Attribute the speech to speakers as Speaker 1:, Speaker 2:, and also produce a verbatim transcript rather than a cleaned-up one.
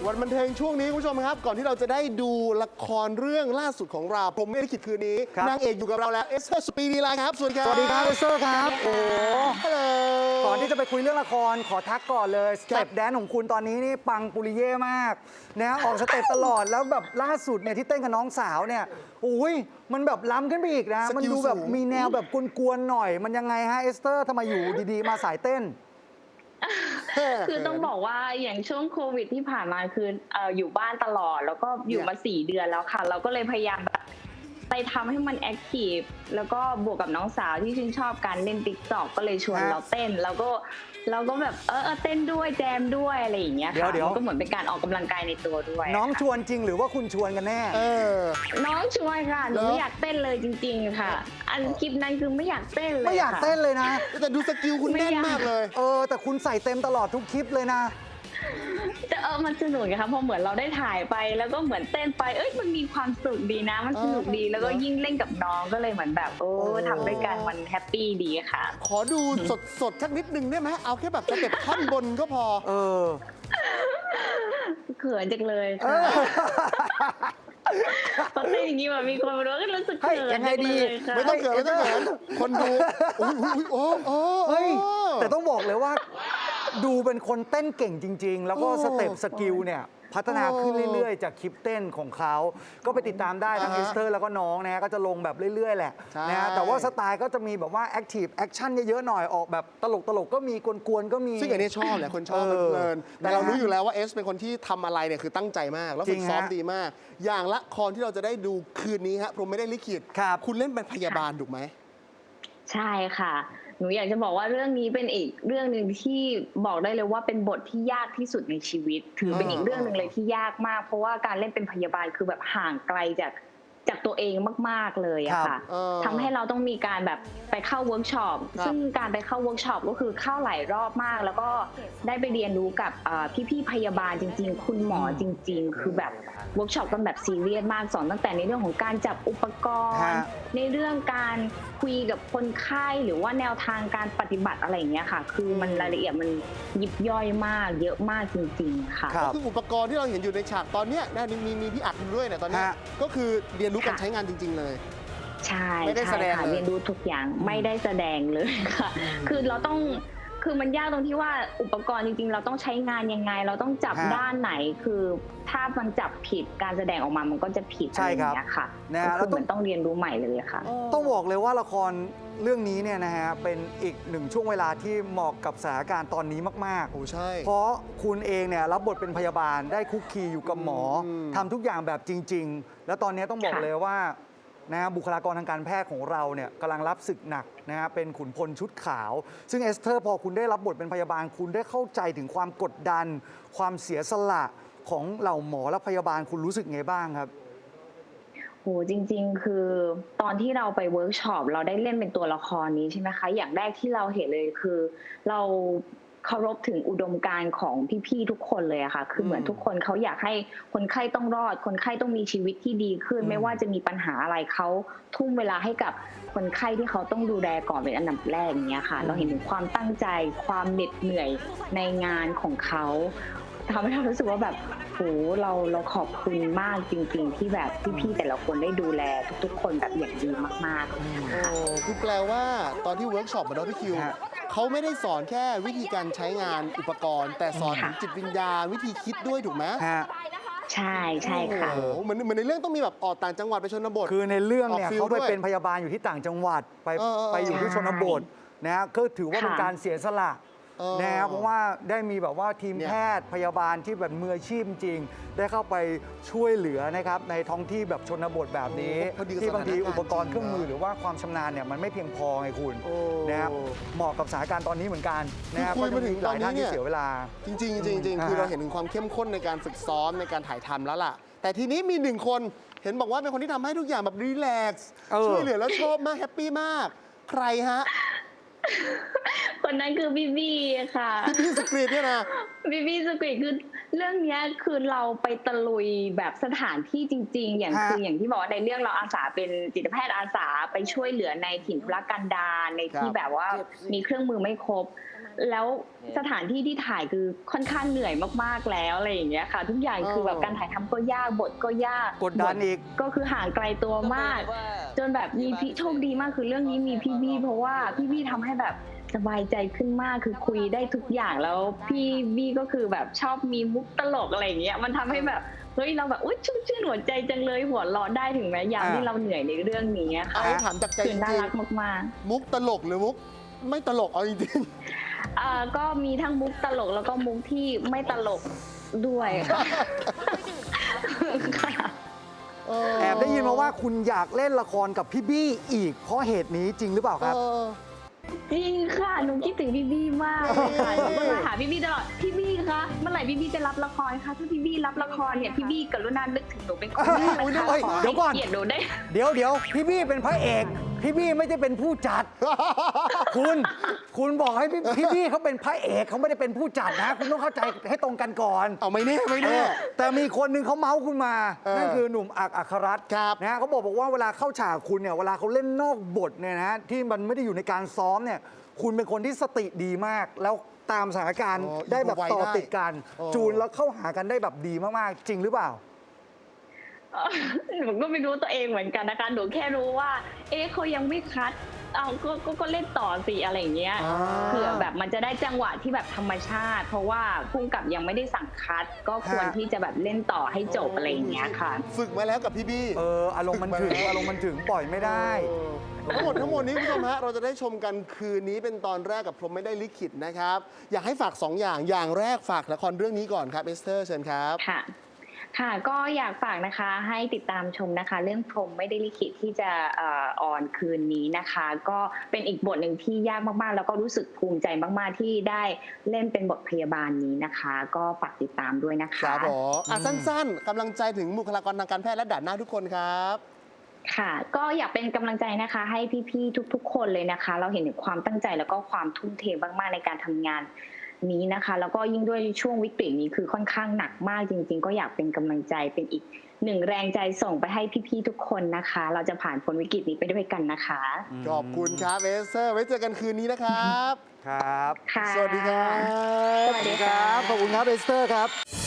Speaker 1: วันบันเทิงช่วงนี้คุณผู้ชมครับก่อนที่เราจะได้ดูละครเรื่องล่าสุดของเราผมไม่ได้คิดคืนนี้นางเอกอยู่กับเราแล้วเอสเธอร์สปีดีไลน์ครับสวัสดีครับ
Speaker 2: สวัสดีครับเอสเธอร์ครับโอ้
Speaker 1: ฮัลโหล
Speaker 2: ก่อนที่จะไปคุยเรื่องละครขอทักก่อนเลยสเต็ปแดนของคุณตอนนี้นี่ปังปุริเย่มากนะออกสเต็ปตลอดแล้วแบบล่าสุดเนี่ยที่เต้นกับน้องสาวเนี่ยอุ้ยมันแบบล้ำขึ้นไปอีกนะมันดูแบบมีแนวแบบกวนๆหน่อยมันยังไงฮะเอสเธอร์ทำไมอยู่ดีๆมาสายเต้น
Speaker 3: คือต้องบอกว่าอย่างช่วงโควิดที่ผ่านมาคือเอ่ออยู่บ้านตลอดแล้วก็อยู่มาสี่เดือนแล้วค่ะเราก็เลยพยายามแบบไปทำให้มันแอคทีฟแล้วก็บวกกับน้องสาวที่ชื่นชอบการเล่นติ๊กต็อกก็เลยชวนเราเต้นแล้วก็เราก็แบบเออเต้นด้วยแจมด้วยอะไรอย่างเงี้ยค่ะมันก็เหมือนเป็นการออกกำลังกายในตัวด้วย
Speaker 2: น้องชวนจริงหรือว่าคุณชวนกันแน่
Speaker 3: น้องชวนค่ะหนูไม่อยากเต้นเลยจริงๆค่ะอันคลิปนั้นคือไม่อยากเต้นเลย
Speaker 2: ไม่อยากเต้นเลยนะ
Speaker 1: แต่ดูสกิลคุณแน่นมากเลย
Speaker 2: เออแต่คุณใส่เต็มตลอดทุกคลิปเลยนะ
Speaker 3: แต่เออมันสนุกค่ะพอเหมือนเราได้ถ่ายไปแล้วก็เหมือนเต้นไปเอ้ยมันมีความสุขดีนะมันสนุกดีแล้วก็ยิ่งเล่นกับน้องก็เลยเหมือนแบบโอ้ทำด้วยกันมันแฮปปี้ดีค่ะ
Speaker 1: ขอดูสดสดสักนิดนึงได้ไหมเอาแค่แบบสเต็ปท่อนบนก็พอ
Speaker 2: เออ
Speaker 3: เขินจังเลยค่ะตอนเต้นอย่างนี้แบบมีคนมาดูก็รู้สึกเขิน
Speaker 2: ยังไงดี
Speaker 1: ไม่ต้องเขินไม่ต้องเขินคนดูโอ้ยโอ้โอ้
Speaker 2: เฮ้ยแต่ต้องบอกเลยว่าดูเป็นคนเต้นเก่งจริงๆแล้วก็สเต็ปสกิลเนี่ยพัฒนาขึ้นเรื่อยๆจากคลิปเต้นของเขาก็ไปติดตามได้ทั้งเอสเธอร์แล้วก็น้องนะก็จะลงแบบเรื่อยๆแหละนะแต่ว่าสไตล์ก็จะมีแบบว่าแอคทีฟแอคชั่นเยอะๆหน่อยออกแบบตลกๆก็มีกวนๆก็มี
Speaker 1: ซึ่งอันนี้ชอบแหละคนชอบเพลินแต่เรารู้อยู่แล้วว่าเอสเป็นคนที่ทำอะไรเนี่ยคือตั้งใจมากแล้วฝึกซ้อมดีมากอย่างละครที่เราจะได้ดูคืนนี้ฮะผมไม่ได้ลิขิตคุณเล่นเป็นพยาบาลถูกไหม
Speaker 3: ใช่ค่ะหนูอยากจะบอกว่าเรื่องนี้เป็นอีกเรื่องหนึ่งที่บอกได้เลยว่าเป็นบทที่ยากที่สุดในชีวิตถือเป็นอีกเรื่องหนึ่งเลยที่ยากมากเพราะว่าการเล่นเป็นพยาบาลคือแบบห่างไกลจากจากตัวเองมากๆเลยอะค่ะทำให้เราต้องมีการแบบไปเข้าเวิร์กช็อปซึ่งการไปเข้าเวิร์กช็อปก็คือเข้าหลายรอบมากแล้วก็ได้ไปเรียนรู้กับพี่ๆพยาบาลจริงๆคุณหมอจริงๆคือแบบเวิร์กช็อปกันแบบซีเรียสมากสอนตั้งแต่ในเรื่องของการจับอุปกรณ์ในเรื่องการคุยกับคนไข้หรือว่าแนวทางการปฏิบัติอะไรอย่างเงี้ยค่ะคือมันรายละเอียดมันยิบย่อยมากเยอะมากจริงๆค่ะ
Speaker 1: ก็คืออุปกรณ์ที่เราเห็นอยู่ในฉากตอนเนี้ยมีมีพี่อัดด้วยเนี่ยตอนนี้ก็คือเรียนรู้การใช้งานจริงๆเลย
Speaker 3: ใช่ไม่ได้แสดงค่ะเรียนรู้ทุกอย่างไม่ได้แสดงเลยค่ะคือเราต้องคือมันยากตรงที่ว่าอุปกรณ์จริงๆเราต้องใช้งานยังไงเราต้องจับด้านไหนคือถ้ามันจับผิดการแสดงออกมามันก็จะผิดอะไรอย่างเงี้ยค่ะคือเหมือนต้องเรียนรู้ใหม่เลยค่ะ
Speaker 2: ต้องบอกเลยว่าละครเรื่องนี้เนี่ยนะฮะเป็นอีกหนึ่งช่วงเวลาที่เหมาะกับสถานการณ์ตอนนี้มากๆ
Speaker 1: โอ้ใช่
Speaker 2: เพราะคุณเองเนี่ยรับบทเป็นพยาบาลได้คุกคีอยู่กับหมอทำทุกอย่างแบบจริงๆแล้วตอนนี้ต้องบอกเลยว่านะบุคลากรทางการแพทย์ของเราเนี่ยกำลังรับศึกหนักนะฮะเป็นขุนพลชุดขาวซึ่งเอสเธอร์พอคุณได้รับบทเป็นพยาบาลคุณได้เข้าใจถึงความกดดันความเสียสละของเหล่าหมอและพยาบาลคุณรู้สึกไงบ้างครับ
Speaker 3: โหจริงๆคือตอนที่เราไปเวิร์กช็อปเราได้เล่นเป็นตัวละครนี้ใช่ไหมคะอย่างแรกที่เราเห็นเลยคือเราเคารพถึงอุดมการณ์ของพี่ๆทุกคนเลยอะค่ะคือเหมือนทุกคนเขาอยากให้คนไข้ต้องรอดคนไข้ต้องมีชีวิตที่ดีขึ้นไม่ว่าจะมีปัญหาอะไรเขาทุ่มเวลาให้กับคนไข้ที่เขาต้องดูแลก่อนเป็นอันดับแรกอย่างเงี้ยค่ะเราเห็นถึงความตั้งใจความเหน็ดเหนื่อยในงานของเขาทำให้เรารู้สึกว่าแบบโหเราเราขอบคุณมากจริงๆที่แบบพี่ๆแต่ละคนได้ดูแลทุกๆคนแบบอย่างดีมากๆค่ะ
Speaker 1: คือแปลว่าตอนที่เวิร์กช็อปมาด้วยพี่คิวเขาไม่ได้สอนแค่วิธีการใช้งานอุปกรณ์แต่สอนถึงจิตวิญญาณวิธีคิดด้วยถูกไหม
Speaker 3: ใช่ใช่ค่ะ
Speaker 1: เหมือนเหมือนในเรื่องต้องมีแบบออกต่างจังหวัดไปชนบท
Speaker 2: คือในเรื่องเนี่ยเขาไปเป็นพยาบาลอยู่ที่ต่างจังหวัดไปไปอยู่ที่ชนบทนะก็ถือว่าเป็นการเสียสละนะครับเพราะว่าได้มีแบบว่าทีมแพทย์พยาบาลที่แบบมืออาชีพจริงได้เข้าไปช่วยเหลือนะครับในท้องที่แบบชนบทแบบนี้ที่บางทีอุปกรณ์เครื่องมือหรือว่าความชำนาญเนี่ยมันไม่เพียงพอไงคุณนะครับเหมาะกับสถานการณ์ตอนนี้เหมือนกันนะครับ
Speaker 1: คุยมาถึง
Speaker 2: หลายท่านที่เสียเวลา
Speaker 1: จริงๆจริงๆคือเราเห็นถึงความเข้มข้นในการฝึกซ้อมในการถ่ายทำแล้วล่ะแต่ทีนี้มีหนึ่งคนเห็นบอกว่าเป็นคนที่ทำให้ทุกอย่างแบบรีแลกซ์ช่วยเหลือแล้วชอบมากแฮปปี้มากใครฮะ
Speaker 3: คนนั้นคือบีบีค่ะ
Speaker 1: บีบีสกรีตเนี่ยนะ
Speaker 3: บีบีสกรีตคือเรื่องนี้คือเราไปตะลุยแบบสถานที่จริงๆอย่างคืออย่างที่บอกว่าในเรื่องเราอาสาเป็นจิตแพทย์อาสาไปช่วยเหลือในถิ่นทุรกันดารในที่แบบว่ามีเครื่องมือไม่ครบแล้วสถานที่ที่ถ่ายคือค่อนข้างเหนื่อยมากๆแล้วอะไรอย่างเงี้ยค่ะ ทุกอย่างคือแบบการถ่ายทำก็ยากบทก็ยาก
Speaker 2: กดดันอีก
Speaker 3: ก็คือห่างไกลตัวมาก จนแบบมีพี่โชคดีมากคือเรื่องนี้มีพี่บี้เพราะว่าพี่บี้ทำให้แบบสบายใจขึ้นมากคือคุยได้ทุกอย่างแล้วพี่บี้ก็คือแบบชอบมีมุกตลกอะไรอย่างเงี้ยมันทำให้แบบเฮ้ยเราแบบอุ้ยชุ่มชื่นหัวใจจังเลยหัวเราะได้ถึงแม้ยามที่เราเหนื่อยในเรื่องนี้ค่ะ
Speaker 1: เอาถามจากใจ
Speaker 3: คือ
Speaker 1: จ
Speaker 3: น่า
Speaker 1: ริง
Speaker 3: รักมาก
Speaker 1: ๆมุกตลกหรือมุกไม่ตลกเอาจริง
Speaker 3: ๆเอ่อก็มีทั้งมุกตลกแล้วก็มุกที่ไม่ตลกด้วยค่ะค่ะ
Speaker 1: ๆเออ
Speaker 2: แอบได้ยินมาว่าคุณอยากเล่นละครกับพี่บี้อีกเพราะเหตุนี้จริงหรือเปล่าครับ
Speaker 1: เออ
Speaker 3: จริงค่ะหนูคิดถึงพี่บี้มากเลยค่ะหนูก็มาหาพี่บี้ตลอดพี่บี้คะเมื่อไหร่พี่บี้จะรับละครคะถ้าพี่บี้รับละครเนี่ยพี่บี้กรุณานึกถึงหนูเป็นคนแรกนะคะ
Speaker 2: เฮ้ย
Speaker 3: ขอ
Speaker 2: เดี๋ยวก่อน
Speaker 3: ให้เกียรติหนูได้
Speaker 2: เดี๋ยวเดี๋ยวพี่บี้เป็นพระเอก พี่บี้ไม่ได้เป็นผู้จัด คุณ คุณบอกให้พี่พี่บี้เขาเป็นพระเอกเขาไม่ได้เป็นผู้จัดนะ คุณต้องเข้าใจให้ตรงกันก่อน
Speaker 1: เอาไม่แน่ไม่
Speaker 2: เอ
Speaker 1: แน่
Speaker 2: อแต่มีคนหนึ่งเขาเมาส์คุณมา
Speaker 1: เออ
Speaker 2: นั่นคือหนุ่มอักอัครรัตน์
Speaker 1: ครับ
Speaker 2: นะฮะเขาบอกบอกว่าเวลาเข้าฉากคุณเนี่ยเวลาเขาเล่นนอกบทเนี่ยนะฮะที่มันไม่ได้อยู่ในการซ้อมเนี่ยคุณเป็นคนที่สติดีมาก แล้วตามสถานการณ์
Speaker 1: อ๋อ
Speaker 2: ได้แบบ
Speaker 1: อยู่ไว
Speaker 2: ต่อ
Speaker 1: ได้
Speaker 2: ติดกัน
Speaker 1: อ๋อ
Speaker 2: จูนแล้วเข้าหากันได้แบบดีมากๆ จริงหรือเปล่า
Speaker 3: เอ่อหนูก็ไม่รู้ตัวเองเหมือนกันนะคะหนูแค่รู้ว่า เอ๊ะเขายังไม่คัดเอาก็ก็ก็เล่นต่อสิอะไรอย่างเงี้ย
Speaker 1: อ่า
Speaker 3: เผื่อแบบมันจะได้จังหวะที่แบบธรรมชาติ เพราะว่าพุ่งกับยังไม่ได้สั่งคัด ก็ควรที่จะแบบเล่นต่อให้จบอะไรอย่างเงี้ยค่ะ
Speaker 1: ฝึกมาแล้วกับพี่บี้
Speaker 2: เอออารมณ์มันถึงอารมณ์มันถึงปล่อยไม่ได้
Speaker 1: เออทั้งหมดทั้งหมดนี้คุณผู้ชมฮะเราจะได้ชมกันคืนนี้เป็นตอนแรกกับพรหมไม่ได้ลิขิตนะครับ อยากให้ฝากสองอย่างอย่างแรกฝากละครเรื่องนี้ก่อนครับเอสเตอร์เชิญครับ
Speaker 3: ค่ะ ค่ะ ก็อยากฝากนะคะให้ติดตามชมนะคะ เรื่องพรหมไม่ได้ลิขิตที่จะเอ่อออนคืนนี้นะคะ ก็เป็นอีกบทหนึ่งที่ยากมากๆ แล้วก็รู้สึกภูมิใจมากๆที่ได้เล่นเป็นบทพยาบาลนี้นะคะ ก็ฝากติดตามด้วยนะ
Speaker 1: ค
Speaker 3: คะ
Speaker 1: รับผมอ่ะสั้นๆกำลังใจถึงบุคลากรทางการแพทย์และด่านหน้าทุกคนครับ
Speaker 3: ค่ะ ก็อยากเป็นกำลังใจนะคะ ให้พี่ๆทุกๆ คนเลยนะคะ เราเห็นถึงความตั้งใจแล้วก็ความทุ่มเทมากๆในการทำงานนี้นะคะ แล้วก็ยิ่งด้วยช่วงวิกฤตนี้คือค่อนข้างหนักมากจริง ๆ ก็อยากเป็นกำลังใจเป็นอีกหนึ่งแรงใจส่งไปให้พี่ๆทุกคนนะคะ เราจะผ่านพ้นวิกฤตนี้ไปด้วยกันนะคะ
Speaker 1: ขอบคุณครับเอสเตอร์ไว้เจอกันคืนนี้นะครับ
Speaker 2: ครับ
Speaker 3: ค่ะ
Speaker 1: สวัสดีครับ
Speaker 3: สวัสดีค่ะ
Speaker 2: ขอบคุณครับเอสเตอร์ครับ